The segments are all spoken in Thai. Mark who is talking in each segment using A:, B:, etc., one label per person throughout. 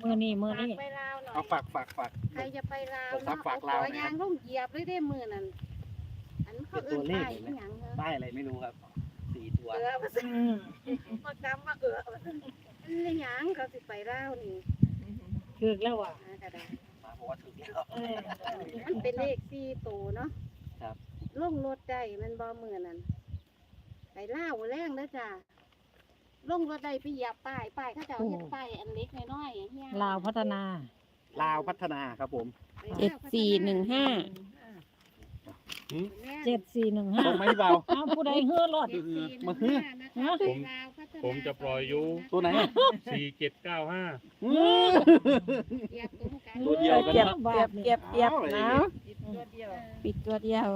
A: มือนี่
B: ไปลาวหน่อย
C: เอาฝาก
B: ใครจะไปลาว
C: ฝาก
B: เนาะ
C: ฝาก
B: เอา
C: ลาว
B: ตัว
C: หน่อย
B: ยางต้องเหยียบเลยได้มือนั่นอันเขาเอื้นไปอีหยังเหรอ
C: ป้ายอะไรไม่รู้ครับ4 ตัว
B: มาสิมากำมานี่หยังเขาสิไปลาวนี่
A: คือแล้วอ่ะ
B: กระดาษ
C: มาบอกว่าถึงแล้ว
B: มันเป็นเลข4ตัวเนาะ
C: ครับ
B: ลงรถได้มันบ่มือนั่นไปลาวแรงเด้อจ้าลงรถได้ไปเหยียบป้ายเขาจะเอาเฮ็ดป้ายอันเล็กน้อยๆอย่างเงี้ย
A: ลาวพัฒนา
C: ลาวพัฒนาครับผม
A: 7415
C: ตรงไหมพี่เบา
A: เอาผู้ใดเฮือรถ
C: มาฮือ
D: ผมจะปล่อยอยู่
C: ตัวไหน
D: 4795
C: ตัวเดียวกัน
E: เก็บ
C: นะ
E: เก็บนะ
B: ตัวเดียว
E: ปิดตัวเดียว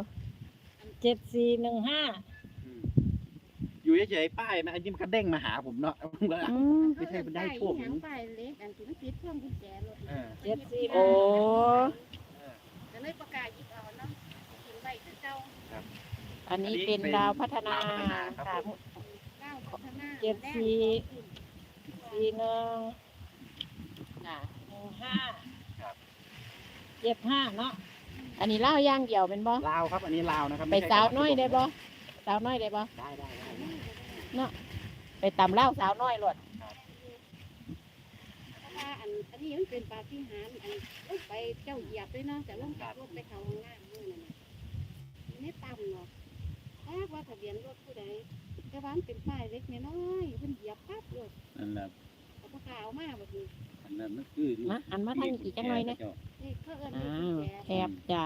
A: 7415
C: อยู่เฉยๆป้ายนะอันนี้มันก็เด้งมาหาผมเนาะผมก็
E: อืม
C: ไม่ใช่มันได้โชค
B: หยังป้ายเล็กอันที่มันติดช่วงกุญแจรถ
E: โอ้
B: ก็เลยประกาศยิบเอาเนาะกินใบคือเจ้า
E: อันนี้เป็นดาวพัฒนาค่ะ
B: ก้าวพัฒนา
A: 7441
E: อ่ะ
A: 1575เนาะ
E: อันนี้เล่าย่างเดียวเป็นบ่
C: ลาวครับอันนี้ลาวนะครับ
E: ไปสาวน้อยได้บ่สาวน้อยได้บ่
C: ได้
E: ไปตำเล่าสาวน้อยหลด
B: เพราะว่าอันนี้มันเป็นปาฏิหาริย์อันไปเจ้าเหยียบด้วยเนาะแต่ลงจากรถไปเขาห้องน้ำนู่นน่ะไม่ต่ำเนาะว่าทะเบียนรถผู้ใดแต่ว่ามันเป็นป้ายเล็กน้อยเพิ่นเหยียบปั๊บรถ
D: นั่นแหละ
B: เอาปากกาเอามาแบบนี้
D: อันนั้นมันคือ
E: มาอันมาทางนี้อีกจังหน่อยนะ
B: นี่เขาเอิ้น
E: อ้า
B: เลขกุญแจ
E: วแคบจ้า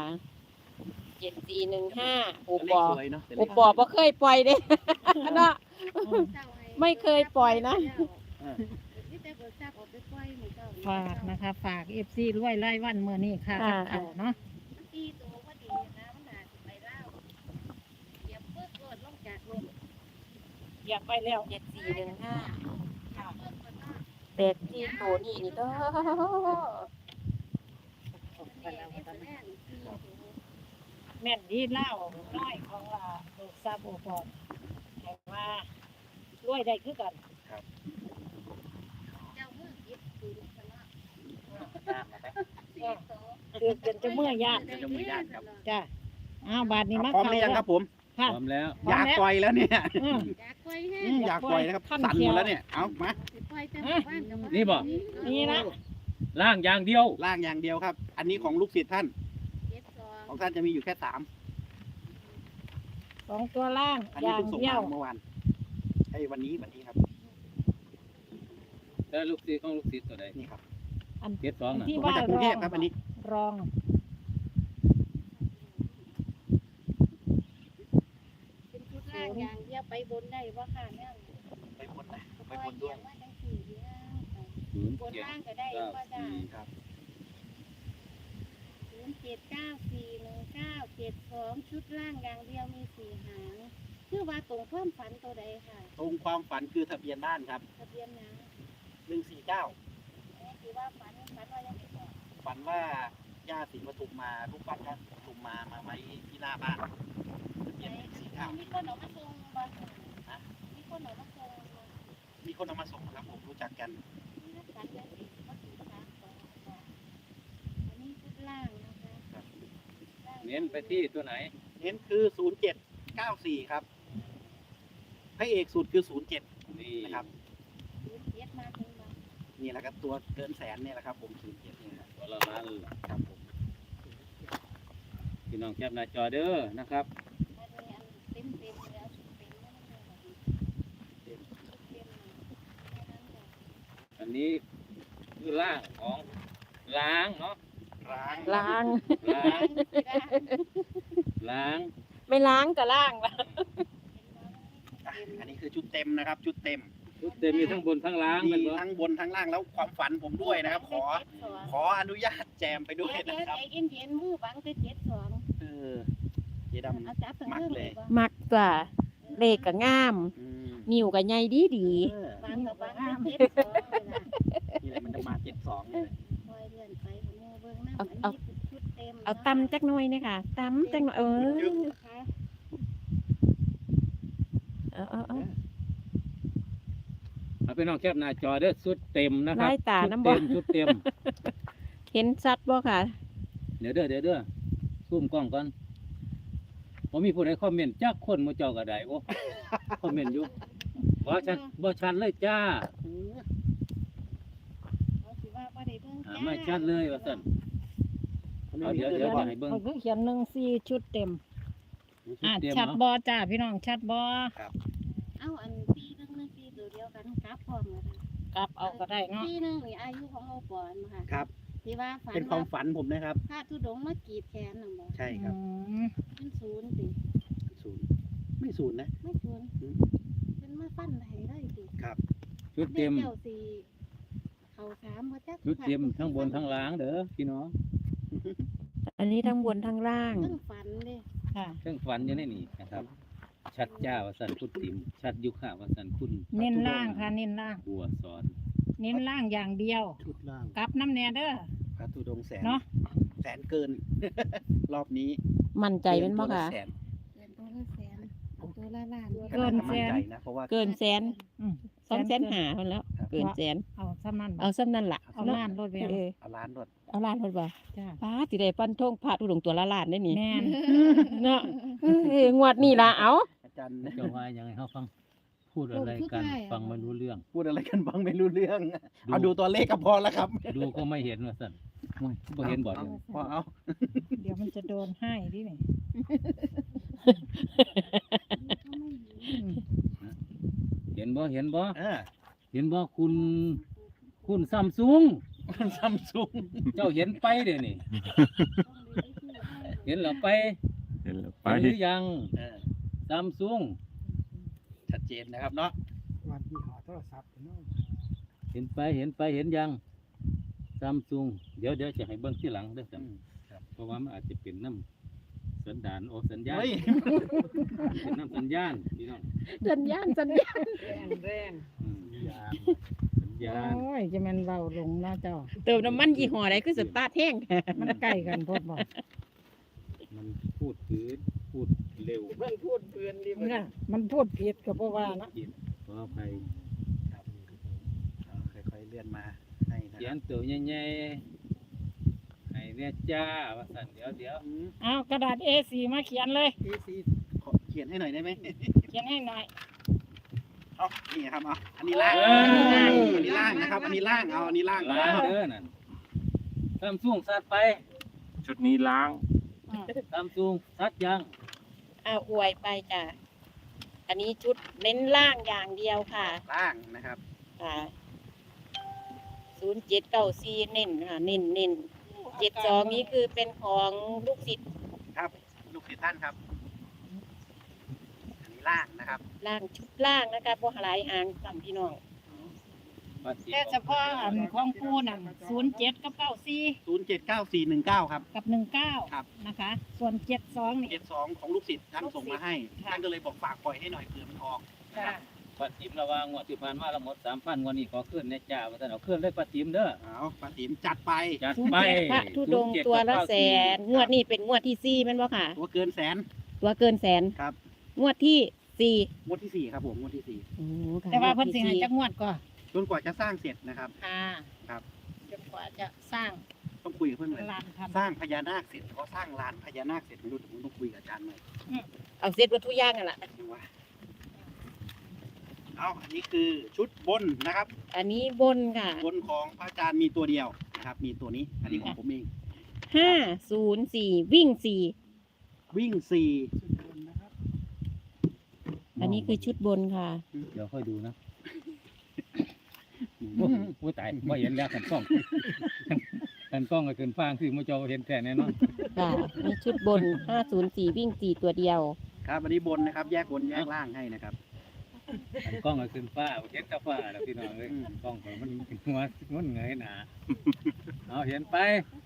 E: 7415โอ
C: เล
E: ป
C: ข
E: อ
C: สวยเนาะ
E: โอปอบ่เคยปล่อยเด้เนาะ
B: เจ้าให้
E: ไม่เคยปล่อยนะ
B: นี่แต่เบิกทราบออกไปปล่อยหมู่เจ้า
A: ฝากนะคะ ฝาก FC รวยรายวันมื้อนี้ค่ะ
E: อ่า
A: กับเขาเนาะ
B: มันตีตัวพอดีนะมันน่าสิไปลาวเหยียบปึ๊กรถลงจากรถ
A: อยากไปแล้ว
E: 7415
B: ปึ๊กรถเนาะ
E: เป็ดที่โตนี่นี่เด้อ
A: แม่นดีเล่าน้อยของลูกซาโบปอนแต่ว่ารวยได้คือกัน
B: เจ้ามือยิบปืนกันเนาะ
A: คือจนจะเมื่อยาน
C: จะมือยากครับ
A: จ้ะอ้าวบาทนี้มา
C: พร้อมหรือยังครับผม
A: ค่ะ
D: พร้อมแล้ว
C: อยากปล่อยแล้วเนี่ย
A: อืม
B: อยากปล่อยให้
C: อยากปล่อยนะครับสั่นหมดแล้วเนี่ยเอามา
B: สิปล่อยแต่หมู่บ้านกับบ้าน
D: นี่บ่
A: นี่นะ
D: ล่างอย่างเดียว
C: ล่างอย่างเดียวครับ อันนี้ของลูกศิษย์ท่าน
B: 72
C: ของท่านจะมีอยู่แค่3
A: 2 ตัวล่าง
C: อัน
A: อ
C: นี้
A: ย่าง
C: เพิ่งส่ง
A: เดีย
C: มาว เมื่อวานไอ้วันนี้ครับ
D: แล้วลูกศิษย์ของลูกศิษย์ตัวใด
C: นี่ครับ
D: 72น่ะ
A: ที่
C: ผม
A: ว่า
C: มาจากกรุงเทพครับอันนี้
A: รอง
B: เป็นชุดล่างอย่างเดียวไปบนได้บ่ค่ะแม่
C: ไปบนนะไป
B: ปล่อบ ย
C: น
B: เดี
C: ด้วย
B: วย มาจังสี่เดียวบนล่างก็ได้ว่าจ้า
C: ครับ
B: 07941972ชุดล่างอย่างเดียวมี4หางคือว่าตรงความฝันตัวใดค่ะ
C: ตรงความฝันคือทะเบียนบ้านครับ
B: ทะเบียนหยัง
C: 149
B: คือว่าฝันว่ายังไม่บอก
C: ฝันว่าย่าศรีปทุมมารูปปั้นย่าศรีปทุมมาไว้ที่หน้าบ้านทะเบียน149
B: มีคนเอามาส่งบ่มีคนเอามาส่งบ่
C: มีคนเอามาส่งครับผมรู้จักกัน
B: มีนักสัตว์แล้วสิมาถึง3 2อันนี้ชุดล่างนะคะ
D: เน้นไปที่ตัวไหน
C: เน้นคือ 0794 ครับพระเอกสุดคือ 07
D: นี่
C: นะครับ
B: 07มาถึงบ่
C: นี่แหละครับตัวเกินแสนเนี่ยแหละครับผม07เนี่ยนะ
D: ตัวละล้าน
C: ครับผม
D: พี่น้องแคปหน้าจอเด้อนะครับ
B: อันนี้อันเต็มแล้วเต็มแล้วมันเลยเต็มแค่นั้นเลย
D: อันนี้คือล่างของล้างเนาะ
C: ล้าง
E: ล้าง
D: ล้าง
E: ไม่ล้างก็ล้างละ
C: อันนี้คือชุดเต็มนะครับ ชุดเต็ม
D: ชุดเต็มมีทั้งบนทั้งล้าง
C: มี
D: เป็นบ่
C: ทั้งบนทั้งล่างแล้วความฝันผมด้วยนะครับ ขออนุญาตแจมไปด้วยนะครับ
B: ใจเย็นๆมือบังจะ72
C: เออเจ๊ดำ
B: เอาจับทั้งเรื่องเลยบ่
E: มักจ้ะเลขก็งาม
C: อืม
E: นิ้วก็ใหญ่ดี
C: เออ
B: บังกับบังจะ72เลยล่ะ
C: นี่แหละมันจะมา72เลย
B: คอยเลื่อนไปหมู่เบิ่งนำอันนี้คือชุดเต็ม
E: เอาตำจักหน่อยนะคะตำจักหน่อย
B: ค่ะ
E: เอา
D: เอาไปน้องแคปหน้าจอเด้อชุดเต็มนะครั
E: ลายตา
D: ชุด
E: น้ำบ่
D: เต็มชุดเต็ม
E: เห็นชัดบ่ค่ะ
D: เดี๋ยวเด้อซูมกล้องก่อนผมมีผู้ใดคอมเมนต์จักคนมาเจ้าก็ได้โอ้ คอมเมนต์อยู่บ่ชัดเลยจ้า
B: เขาสิว่าบ่ได้เบิ่งจ้า
D: ไม่ชัดเลยว่าซั่นเอาเดี๋ยวให้เบิ่ง
A: เขาคือเขียน14ชุดเต็ม
D: ชุด
A: อ่ะ
D: เต็ม
A: ชัด
D: เนาะ
A: บ่จ้าพี่น้องชัดบ่
B: เอาอันปีหนึงนั่นปีตัวเดียวกันกลับพร้อมกัน
A: กลับเอาก็ได้เนาะ
B: ปีหนึงนี่อายุของโอปอนมาค่ะ
C: ครับ
B: ที่ว่าฝัน
C: เป็นความฝันผมนะครับ
B: พระธุดงค์มากรีดแขนน่ะบ่
C: ใช่ครับ
B: เป็นศูนย์ติ
C: ศูนย์ไม่ศูนย์นะ
B: ไม่ศูนย์เป็นมาฟันให้ได้ติ
C: ครับ
D: ชุดเต็ม
B: เจ้าสิเข้าสามบ่จัก
D: ชุดเต็มทั้งบนทั้งล่างเด้อพี่น้อง
E: อันนี้ทั้งบนทั้งล่าง
B: เพิ่งฝันเด้
A: ค่ะ
D: เครื่องฝันอยู่ในนี่นะครับ ชัดจ้าว่าซั่นคุณติ๋มชัดยุค่ะว่าซั่นคุณ
A: เน้นล่างค่ะเน้นล่าง
D: บัวสอน
A: เน้นล่างอย่างเดียว
C: ชุดล่าง
A: กลับน้ำแน่เด้อ
C: พระธุดงค์แสน
A: เนาะ
C: แสนเกิน รอบนี้
E: มั่นใจเป็นบ่ค่ะ
C: เกินตัวลแสน
B: เกินตัวละแสนตัวละล้าน
A: เกินแสน
C: มั่ใจนะเพราะว่า
E: เกินแสน
A: อืม
E: 200,000คนแล้ว เกินแสน
A: เอาซ้ำนั่นบ่
E: เอาซ้ำนั่นล่ะ
A: เอาล้านรถไป
E: เออ
C: เอาล้านรถ
E: เอาล้านรถบ่
A: จ้า
E: ป้าสิได้ปั้นทงพระธุดงค์ตัวละล้านได้นี่
A: แม่น
E: เนาะงวดนี้ล่ะเอา
C: อาจารย์
D: เจ้าว่ายังไงเฮาฟังพูดอะไรกันฟังไม่รู้เรื่อง
C: พูดอะไรกันบ้างไม่รู้เรื่อง เอาดูตัวเลขก็พอแล้วครับ
D: ดูก็ไม่เห็นว่าซั่นโอ้ยบ่เห็นบ่เดี๋ยว
C: พอเอา
A: เดี๋ยวมันจะโดนให้ดินี่อืม
D: เห็นบ่เห็นบ่
C: เออ
D: เห็นบ่คุณซัมซุง
C: ซัมซุง
D: เจ้าเห็นไปเดี๋ยวนี้เห็นเหรอไป
F: เห็นแล้วไป
D: เห็นหรือยัง
C: เออ
D: ซัมซุง
C: ชัดเจนนะครับเนาะ
G: วันที่หาโทรศัพท์เนาะ
D: เห็นไปเห็นยังซัมซุงเดี๋ยวจะให้เบิ่งที่หลังเด้อจ้ะ เพราะว่ามันอาจจะเป็นน้ำสัญญาณสัญญาณ
C: เฮ้ย
D: เป็นน้ำสัญญาณพี่น้อง
E: สัญญาณ
A: แรง
D: สัญญาณ
A: โอ้ยจะแมันเบาลงเนาะเจ้า
E: เติมน้ำมันยี่ห้อใดคือสตาร์ทแห้ง
A: มันใกล้กันโพดบ่
D: มันพูดถือพูดเร็ว
E: มันพูดเพื่อนดิ
A: เนี่ยมันพูดผิดก็เพราะว่านะ
D: จิตขออภัย
C: ครับเอาค่อยๆเลื่อนมาให้นะ
D: เขี
C: ค
D: ย
C: รับ
D: นตัวใหญ่ๆให้เนี่ยจ้าว่าสั่นเดี๋ยว
A: เอากระดาษ A4 มาเขียนเลย
C: ขอเขียนให้หน่อยได้ไหม
A: เขียนให้หน่อย
C: เอานี่ครับเอาอันนี้ล่าง อันนี้ล่างนะครับ อันนี้ล่าง เอาอันนี้ล่าง
D: ล้างเด้อนั่นซัมซุงซัดไป
F: ชุดนี้ล้าง
D: ซัมซุงซัดยัง
E: อวยไปจ้ะ อันนี้ชุดเน้นล่างอย่างเดียวค่ะ
C: ล่างนะครับ
E: ค่ะ0794เน้นค่ะ เน้น72นี้คือเป็นของลูกศิษย์
C: ครับ ลูกศิษย์ท่านครับ อันนี้ล่างนะครับ
E: ล่างชุดล่างนะคะบ่หลายหางตามพี่น้อง
A: แต่เฉพาะอันของปูนั่น07กับ94
C: 079419 ครับ
A: กับ
C: ครับ
A: 19นะคะ ส่วน72นี่
C: 72ของลูกศิษย์ท่านส่งมาให้
A: ค่ะ
C: ท่านก็เลยบอกฝากปล่อยให้หน่อยเผื่อมันออก
A: จ้า
D: ปัดจิมระวางงวดที่ผ่านมาเราหมด 3,000งวดนี้ขอขึ้นแน่จ้าว่าซั่นเอาขึ้นเลยปัดจิมเด้อ
C: เอาป้าติ๋มจัดไป
D: จัดไป
E: พระธุดงค์ตัวละแสน งวดนี้เป็นงวดที่4แม่นบ่ค่ะ
C: ตัวเกินแสน
E: ตัวเกินแสน
C: ครับ
E: งวดที่4
C: งวดที่ 4 ครับผมงวดที่
E: โอ้ค่ะ
A: แต่ว่าเพิ่นสิให้
E: งวดที่
A: จักงวดก่อน
C: 4 จนกว่าจะสร้างเสร็จนะครับ
A: ค่ะ
C: ครับ
A: จนกว่าจะสร้าง
C: ต้องคุยกับเพื่อนเลย
A: ลานทำ
C: สร้างพญานาคเสร็จก็สร้างลานพญานาคเสร็จไม่รู้ผมต้องคุยกับอาจารย์หน่อย
E: เอาเสร็จวัตถุกอย่างนั่นล่ะ
C: ดูว่าเอาอันนี้คือชุดบนนะครับ
E: อันนี้บนค่ะ
C: บนของพระอาจารย์มีตัวเดียวนะครับ มีตัวนี้ อันนี้ของผมเอง
E: 504 วิ่ง
C: วิ่ง
G: ชุดบนนะครับ
E: 4 อันนี้คือชุดบนค่ะ
D: เดี๋ยวค่อยดูนะโอ้ยตายไม่เห็นแล้วขันกล้องขันกล้องก็ขึ้นฟางคือมาจอเห็นแต่แน่นอน
E: ค่ะนี่ชุดบน 504 วิ่ง 4 ตัวเดียว
C: 4 ครับ อันนี้บนนะครับ แยกบนแยกล่างให้นะครับ
D: ขันกล้องก็ขึ้นฟ้าเห็นแต่ฟ้าแล้วพี่น้องเลย
C: อืม
D: กล้องของมันหัวมันเงยหนาเอาเห็นไป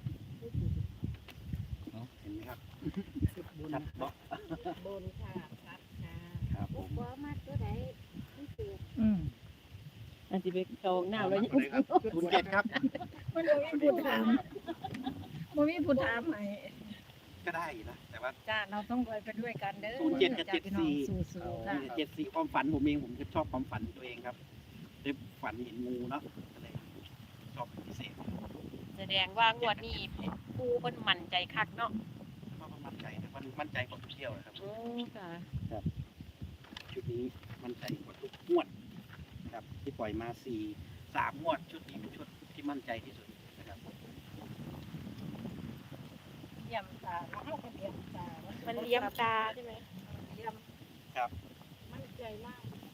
C: เห็นไหมครับ
G: ชุดบน
C: ชัดเนาะ
B: บนค่ะชัดค่ะ
C: ครับผม
B: บ่มากตัวใดพิเศษ
A: อืม
E: อันที่ไปโชงหน้าแล้ว
C: ตัวไหนครับ07ครับ
A: มันบ่มีผู้ถามบ่มีผู้ถามให้
C: ก็ได้นะ แต่ว่า
A: จ้าเราต้องไปด้วยกันเด้อ
C: 07กับ
A: จ้าพี่น้อง
C: 74
A: สู้ๆค่ะ
C: 74ความฝันผมเองผมก็ชอบความฝันตัวเองครับ แที่ฝันเห็นงูเนาะก็เลยชอบเป็นพิเศษ
E: แสดงว่างวดนี้ปูเพิ่นมั่นใจคักเนาะ
C: เพราะมันมั่นใจนะมันมั่นใจกว่าทุกเที่ยวนะครับ
E: ค่ะ
C: ชุดนี้มั่นใจกว่าทุกงวดนะครับที่ปล่อยมา3 งวดชุดนี้เป็นชุดที่มั่นใจที่สุดนะครับ
A: เยี่ยมตาเข้าไปเยี่ยมตา
E: มั
A: มัน
E: เลี้ยมตาใช่ไหม
A: เยี่ยม
C: ครับ
A: มั่นใจมาก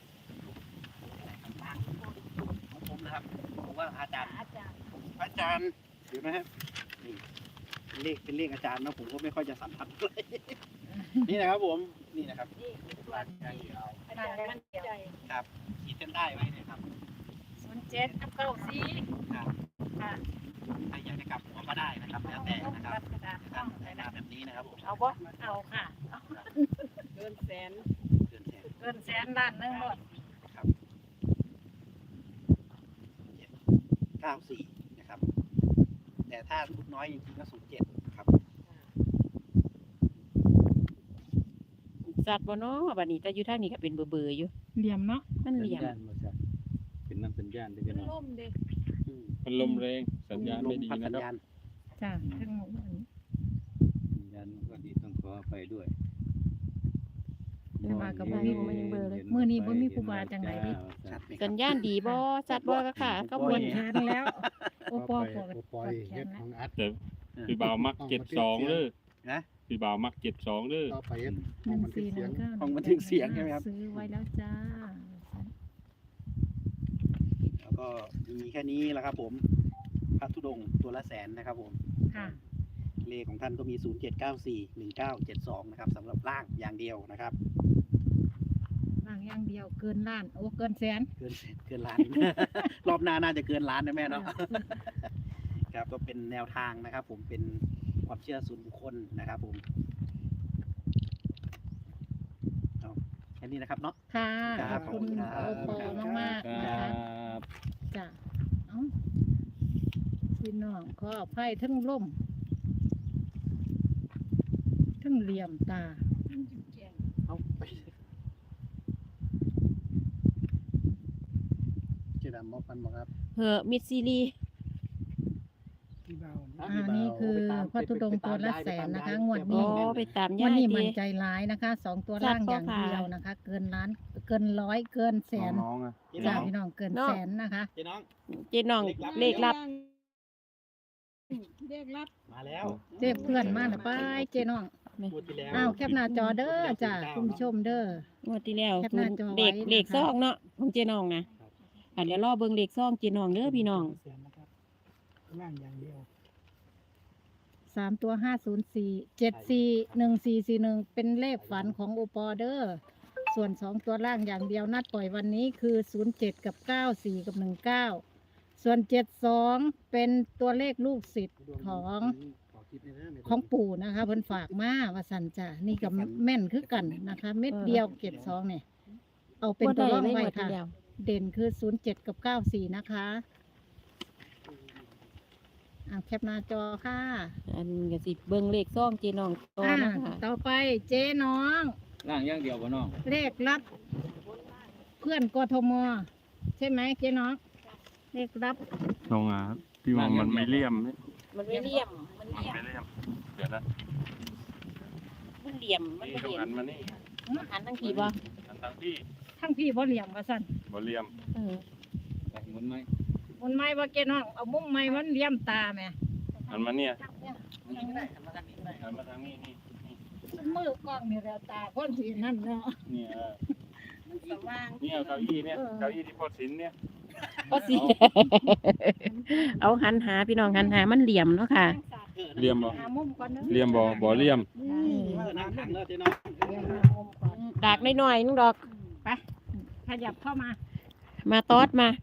C: ของผมนะครับผมว่าอาจารย์
A: อาจารย์
C: เดี๋ยวนะฮะนี่เป็นเลขอาจารย์นะผมก็ไม่ค่อยจะสัมผัสเลย นี่นะครับผมนี่นะครับ
A: นี่คือตัว
C: อาจารย์เอา
A: อาจารย์มั่นใจ
C: ครับขีดเส้นใต้ไว้นะครับ
A: 07กับ94
C: ครับ
A: ค่ะ
C: ใครอยากจะกลับหัวก็ได้นะครับแล้วแต่นะครับ
A: กระดาษ
C: กา
A: ต้อ
C: รง ใช้นาแบบนี้นะครับผม
E: เอาบ่
A: เอาค่ะ
B: เกินแสน
C: เกินแสน
A: เกินแสนล้านหนึงหมด
C: ครับ94นะครับ แต่ถ้าลูกน้อยจริงๆก็07ครับ
E: สัตว์บ่เนาะบัดนี้แต่อยู่ทางนี้ก็เป็นเบอร์ๆอยู่
A: เหลี่ยมเนาะ
E: มันเหลี่ยม
D: สัญญาณบ่จ้ะเป็นน้ำสัญญาณได้พี่น้อง
A: ล่มเด้
F: มันลมแรงสัญญาณไม่ดี
C: พัด
F: นะ
C: สัญ
F: ครับ
C: ญาณ
A: จ้ะทั้งหมดอันนี้
D: สัญญาณมันก็ดีต้องขอไปด้วย
A: แต่ว่าก็บ่มีมื้อนี้บ่มีครูบาจังไดดิ
C: ชัดไหมค
E: สั
C: รับ
E: ญญาณดีบ่สัตว์บ่ก็ค่ะก็
A: ป
E: บ่
A: วด
E: น
A: แขนแล้วโอปอปวด
G: ปล่อยเฮ็ดของอัด
F: แต่พี่บ่าวมัก72เด้อ
C: นะ
F: พี่บ่าวมัก72เด้อ
G: ต่อไปเฮ็ดของมันเป็นเสียง
A: 1419
C: ของบันทึกเสียงใช่ไหมครับ
A: ซื้อไว้แล้วจ้า
C: แล้วก็มีแค่นี้แหละครับผมพระธุดงค์ตัวละแสนนะครับผม
A: ค่ะ
C: เลขของท่านก็มี 07941972นะครับสำหรับร่างอย่างเดียวนะครับ
A: บางอย่างเดียวเกินล้านโอ้เกินแสน
C: เกินล้าน รอบหน้าน่าจะเกินล้านนะแม่เนาะ ครับก็เป็นแนวทางนะครับ ผมเป็นความเชื่อส่วนบุคคลนะครับผมเอาแค่นี้นะครับเนาะ
A: ค่ะ
C: ครับ
A: ขอบคุณ
C: ขอบคุณครับ
A: โอปอมากๆ
D: ค
A: นะ
D: รั
A: คะ
D: บ
A: จ้ะเอ้าพี่น้องขออภัยทั้งล่มทั้งเหลี่ยมตา
C: เอาไปเจดำมอบกันบ่ครับ
E: เหอะมิดซีรีส์
G: ที่เบา
A: นี่คือพระธุดงค์ตัวละแสนนะคะงวด
E: อ๋
A: นี้
E: อไปตาม
A: วัน
E: ย่า
A: นี้
E: ดี
A: มันใจร้ายนะคะ2ตัวล่างอย่างเดียวนะคะ เกินล้านเกินร้อยเกินแสน
F: น้องๆอ่ะ
C: เจ๊
A: จ้า
C: น้อง
A: พี่น้องเกินแสนนะคะ
C: เจ๊น้อง
E: เจ๊น้องเลขลับ
B: เรียกรับ
C: มาแล้ว
A: เจ็บเพื่อนมาหรือไปเจ๊น้อง
C: พูดที่แล้ว
A: อ้าวแคปหน้าจอเด้อจ้าคุณผู้ชมเด้อ
E: งวดที่แล้ว
A: แคปหน้าจอไว้
E: เลข
A: นะคะ
E: ซองเนาะของเจ๊น้องนะเดี๋ยวรอเบิ่งเลขซองเจ๊น้องเด้อพี่น้อง
G: เสียงนะครับล่างอย่างเดียว
A: 3 ตัว 504741441เป็นเลขฝันของโอปอเดอร์ส่วน2ตัวล่างอย่างเดียวนัดปล่อยวันนี้คือ07กับ94กับ19ส่วน72เป็นตัวเลขลูกศิษย์ของปู่นะคะเพิ่นฝากมาว่าสันจ้ะนี่กับแม่นคือกันนะคะ เม็ดเดียว72เนี่ยเอาเป็นตัวร่องไว้ค่ะ เด่นคือ07กับ94นะคะแคปหน้าจอค่ะ
E: อันก็สิเบิ่งเลขซองเจ๊น้องต่อนะคะ
A: ต่อไปเจ๊น้อง
D: ร่างอย่างเดียวบ่น้อง
A: เลขรับเพื่อนกทมใช่ไหมเจ๊น้องเลขรับ
F: น้องอ่ะพี่ว่ามันไม่เลี่ยมเนี่ย
E: มันไม่เลี่ยมมัน
F: มัน
E: เลี่ยม
F: ไม่เลี่ยมเดี๋ยวนะ
E: มันเหลี่ยมมัน
F: นี่
E: บ่
F: ต้อง
E: เห็น
F: หันมานี่
E: หันทั้งทีบ่
F: หันทางพี่
A: ทั้งพี่บ่เหลี่ยมว่าสั่น
F: บ่เลี่ยม
E: เออ
D: ไปหมุนไหม
A: มันไม่ว่าเจ๊น้องเอามุมไม่มันเหลี่ยมตาแหม่
F: หันมาเนี่ย
C: นี่ก็ได้หันมาทางนี้ก็ได้
F: หันมาทางนี้นี่นี่
A: มือกล้องนี่แล้วตาคนสีนั่นเนาะ
F: เนี่ย
A: มันสว่าง
F: เนี่ยเก้าอี้เนี่ยเก้าอี้ที่พ่อศิลป์เนี่ย
E: ก็สิ เอาหันหาพี่น้องหันหามันเหลี่ยมเนาะค่ะ
F: เลี่ยมบ่
A: หามุมก่อนเด้อ
F: เลี่ยมบ่เลี่ยม
C: น้ำขังแล้วเจ๊น้อง
A: เดี๋ยวหามุมก่อน
E: ดากน้อยๆนึงดอก
A: ขยับเข้ามา
E: มาตอดมา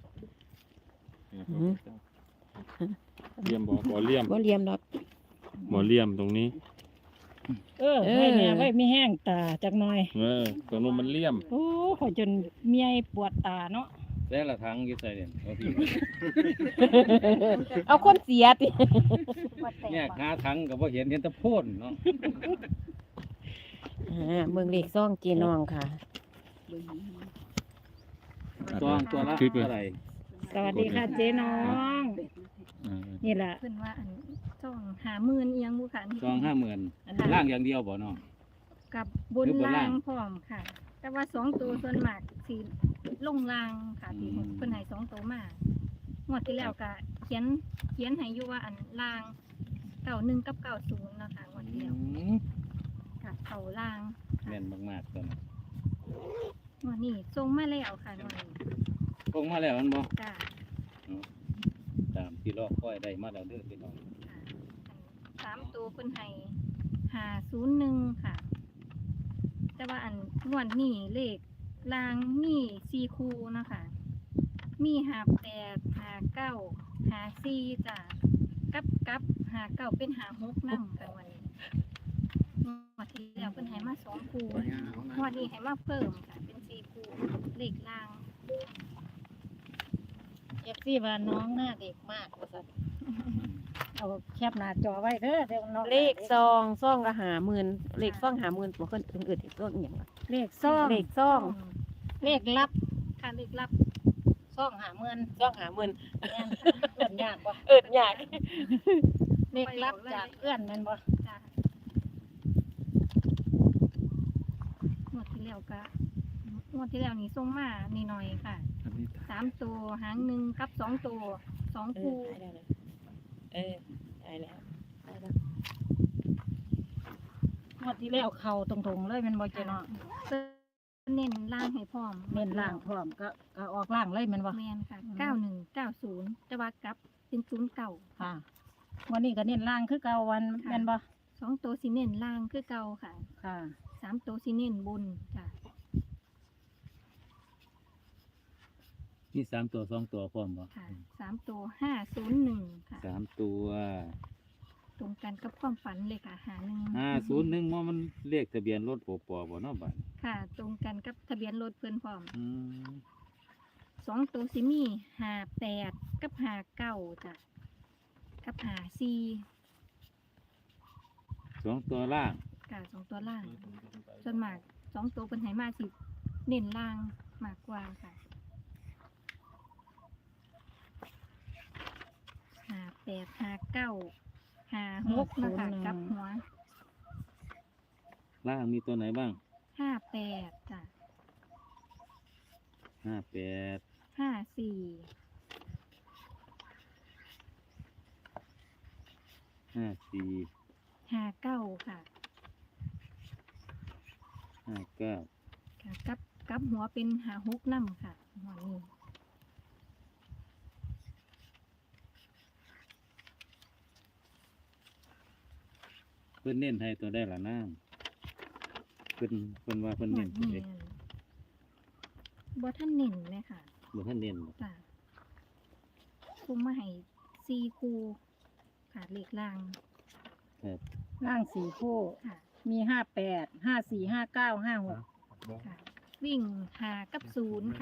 F: เลี่ยมบ่เลี่ยม
E: บ่เหลี่ยมดอก
F: บ่เลี่ยมตรงนี้
A: ให้แม่ไว้มีแห้งตาจักหน่อย
F: ตรงนู้นมันเลี่ยม
A: โอ้ขอยจนเมียปวดตาเนาะ
D: แต่ละทางอยู่ใส่เด่นเอาที่
E: เอาคนเสียติ
D: เนี่ยหาทางก็บ่เห็นเห็นแต่โพ่นเนาะ
E: เบิ่งเลขซองเจน้องค่ะ
D: จองตัวละ
F: คลิปเลย
D: เท่าไหร่
A: สวัสดีค่ะเจ๊น้อง
F: อ่า
A: นี่แหละ
H: เพิ่นว่าอันจ้อง50,000เอียงบุค่ะนี่
D: จอง50,000
H: อันนั้น
D: ล่างอย่างเดียวบ่เนาะ
H: กับบน
D: หรือบน
H: ล่า
D: ล่าง
H: งพร้อมค่ะ แต่ว่า2ตัวส่วนมากสิลงล่างค่ะที่
D: อืม
H: เพิ่นให้2ตัวมางวดที่แล้วก็เขียนให้อยู่ว่าอันล่าง91กับ90เนาะค่ะงวดที่แล้วกับเข้าล่าง
D: แม่นมากๆตัวนี้
H: งวดนี้ส่งมาแล้วค่ะงวดนี้
D: คงมาแล้วมันบ่
H: จ้า
D: ตามที่รอคอยได้มาแล้วเด้อพี่น้อง
H: ค่ะอัน3ตัวเพิ่นให้501ค่ะ แต่ว่าอันงวดนี้เลขรางมี4คู่เนาะคะมี58 59 54จ้ะกับ59เป็น56นำกันวันนี้งวดที่แล้วเพิ่นให้มา2คู่งวดนี้ให้มาเพิ่มค่ะเป็น4คู่เลขราง
A: เอฟซีว่าน้องหน้าเด็กมากว่าซั่นเอาแคปหน้าจอไว้เด้อเดี๋ยวน้อง
E: เลขซองละ50,000เลขซอง50,000บ่เพิ่นอื่นๆอีกตัวอีหยังวะ
A: เลขซ่อง
E: เลขซอง
A: เลขลับ
H: ค่ะเลขลับ
A: ซ่องหาเมือน
E: ซอง50,000
A: แม่นเอิ้นยากบ่
E: เอิ้นยาก
A: เลขลับจากเอื้อนแม่นบ่
H: จ้ะงวดที่แล้วก็งวดที่แล้วนี่ส่งมานี่หน่อยค่ะ3ตัวหางหนึ่งกับ2ตัว2คู่
E: ได้แล้วได้แล้ว
A: งวดที่แล้วเข้าตรงๆเลยแม่นบ่เจ๊น้อง
H: เน้นล่างให้พร้อม
A: เน้นล่างพร้อมก็ออกล่างเลยแม่นบ่
H: แมนค่ะ
A: อืม
H: 9190แต่ว่ากลับเป็น09
A: ค่ะวันนี้ก็เน้นล่างคือเก่าวันแม่นบ่
H: 2ตัวสิเน้นล่างคือเก่าค่ะ
A: ค่ะ
H: 3ตัวสิเน้นบนจ้ะ
D: มี3ตัว2ตัวพร้อมบ่
H: ค่ะ3ตัว501ค่ะ
D: 3ตัว
H: ตรงกันกับความฝันเลยค่ะ51
D: 501มันเลขทะเบียนรถโปปบ่เนาะบัด
H: ค่ะ ตรงกันกับทะเบียนรถเพิ่นพร้อม
D: อืม
H: 2ตัวสิมี58กับ59จ้ะกับ54
D: 2ตัวล่าง
H: ค่ะ2ตัวล่าง ส่วนมาก2ตัวเพิ่นให้มาสิเน้นล่างมากกว่าค่ะ58 59 56นะคะกลับหัว
D: ล่างมีตัวไหนบ้าง
H: 58จ้ะ
D: 58
H: 54
D: 54
H: 59ค่ะ
D: 59
H: ค่ะกับหัวเป็น56นำค่ะหัวนี้
D: เพิ่นเน้นให้ตัวได้ละนางเพิ่นว่าเพิ่น
H: หัว
D: เน้นตัว
H: นี้
D: เด็ก
H: บ่ท่านเน้นเลยค่ะ
D: บ่ทันเน้นบ่
H: จ้ะคุมมาให้4คู่ค่ะเลขล่าง
D: ครับ
A: ล่าง4คู่
H: ค่ะ
A: มี58 54 59 56
H: ค่ะ วิ่ง5กับ0